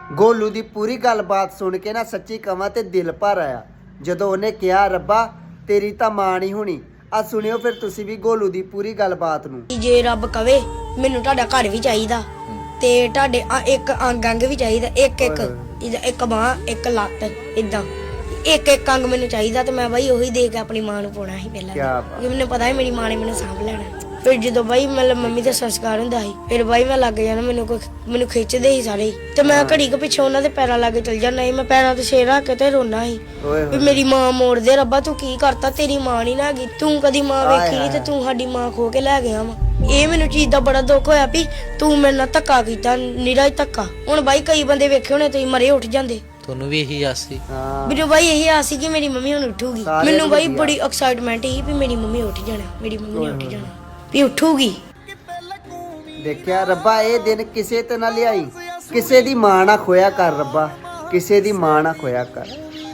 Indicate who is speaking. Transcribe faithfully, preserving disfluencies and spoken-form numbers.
Speaker 1: ਗੋਲੂ ਦੀ ਪੂਰੀ ਗੱਲਬਾਤ ਸੁਣ ਕੇ ਨਾ ਸੱਚੀ ਕਵਾਂ ਤੇ ਦਿਲ ਭਰ ਆਇਆ ਜਦੋਂ ਉਹਨੇ ਕਿਹਾ ਰੱਬਾ ਤੇਰੀ ਤਾਂ ਮਾਂ ਨਹੀਂ ਹੋਣੀ। ਆ ਸੁਣਿਓ ਫਿਰ ਤੁਸੀਂ ਵੀ ਗੋਲੂ ਦੀ ਪੂਰੀ ਗੱਲਬਾਤ ਨੂੰ।
Speaker 2: ਜੇ ਰੱਬ ਕਵੇ ਮੈਨੂੰ ਤੁਹਾਡਾ ਘਰ ਵੀ ਚਾਹੀਦਾ ਤੇ ਤੁਹਾਡੇ ਇੱਕ ਅੰਗ ਅੰਗ ਵੀ ਚਾਹੀਦਾ, ਇੱਕ ਇੱਕ ਇੱਕ ਬਾਂਹ ਇੱਕ ਲੱਤ ਇਦਾਂ ਇੱਕ ਇੱਕ ਅੰਗ ਮੈਨੂੰ ਚਾਹੀਦਾ ਤੇ ਮੈਂ ਬਾਈ ਉਹੀ ਦੇ ਕੇ ਆਪਣੀ ਮਾਂ ਨੂੰ ਪਾਉਣਾ ਸੀ ਪਹਿਲਾਂ। ਕਿਉਂਕਿ ਮੈਨੂੰ ਪਤਾ ਸੀ ਮੇਰੀ ਮਾਂ ਨੇ ਮੈਨੂੰ ਸਾਂਭ ਲੈਣਾ। ਫਿਰ ਜਦੋਂ ਬਾਈ ਮਤਲਬ ਮੰਮੀ ਦਾ ਸੰਸਕਾਰ ਹੁੰਦਾ ਸੀ ਫਿਰ ਬਾਈ ਮੈਂ ਲੱਗ ਜਾਣਾ, ਮੈਨੂੰ ਕੋਈ ਮੈਨੂੰ ਖਿੱਚਦੇ ਸੀ ਸਾਰੇ ਤੇ ਮੈਂ ਘੜੀ ਕੁ ਪਿੱਛੇ ਉਹਨਾਂ ਦੇ ਪੈਰਾਂ ਲਾਗੇ ਚਲ ਜਾਣਾ ਸੀ। ਮੈਂ ਪੈਰਾਂ ਤੇ ਸਿਰ ਰੱਖ ਕੇ ਤੇ ਰੋਣਾ ਸੀ ਵੀ ਮੇਰੀ ਮਾਂ ਮੋੜ ਦੇ ਰੱਬਾ, ਤੂੰ ਕੀ ਕਰਤਾ, ਤੇਰੀ ਮਾਂ ਨਹੀਂ ਨਾ ਹੈਗੀ, ਤੂੰ ਕਦੀ ਮਾਂ ਵੇਖੀ ਨਹੀਂ ਤੇ ਤੂੰ ਸਾਡੀ ਮਾਂ ਖੋ ਕੇ ਲੈ ਗਿਆ ਵਾ। ਇਹ ਮੈਨੂੰ ਚੀਜ਼ ਦਾ ਬੜਾ ਦੁੱਖ ਹੋਇਆ ਵੀ ਤੂੰ ਮੇਰੇ ਨਾਲ ਧੱਕਾ ਕੀਤਾ, ਨਿਰਾ ਹੀ ਧੱਕਾ। ਹੁਣ ਬਾਈ ਕਈ ਬੰਦੇ ਵੇਖੇ ਹੋਣੇ ਤੁਸੀਂ ਮਰੇ ਉੱਠ ਜਾਂਦੇ,
Speaker 3: ਤੁਹਾਨੂੰ ਵੀ ਇਹੀ ਆਸ ਸੀ?
Speaker 2: ਮੈਨੂੰ ਬਾਈ ਇਹੀ ਆਸ ਸੀ ਕਿ ਮੇਰੀ ਮੰਮੀ ਹੁਣ ਉੱਠੂਗੀ। ਮੈਨੂੰ ਬਾਈ ਬੜੀ ਐਕਸਾਈਟਮੈਂਟ ਸੀ ਵੀ ਮੇਰੀ ਮੰਮੀ ਉੱਠ ਜਾਣਾ, ਮੇਰੀ ਮੰਮੀ ਨੇ ਉੱਠ ਜਾਣਾ ਵੀ ਉੱਠੂਗੀ।
Speaker 1: ਦੇਖਿਆ ਰੱਬਾ ਇਹ ਦਿਨ ਕਿਸੇ ਤੇ ਨਾ ਲਿਆਈ, ਕਿਸੇ ਦੀ ਮਾਂ ਨਾ ਖੋਇਆ ਕਰ ਰੱਬਾ, ਕਿਸੇ ਦੀ ਮਾਂ ਨਾ ਖੋਇਆ ਕਰ।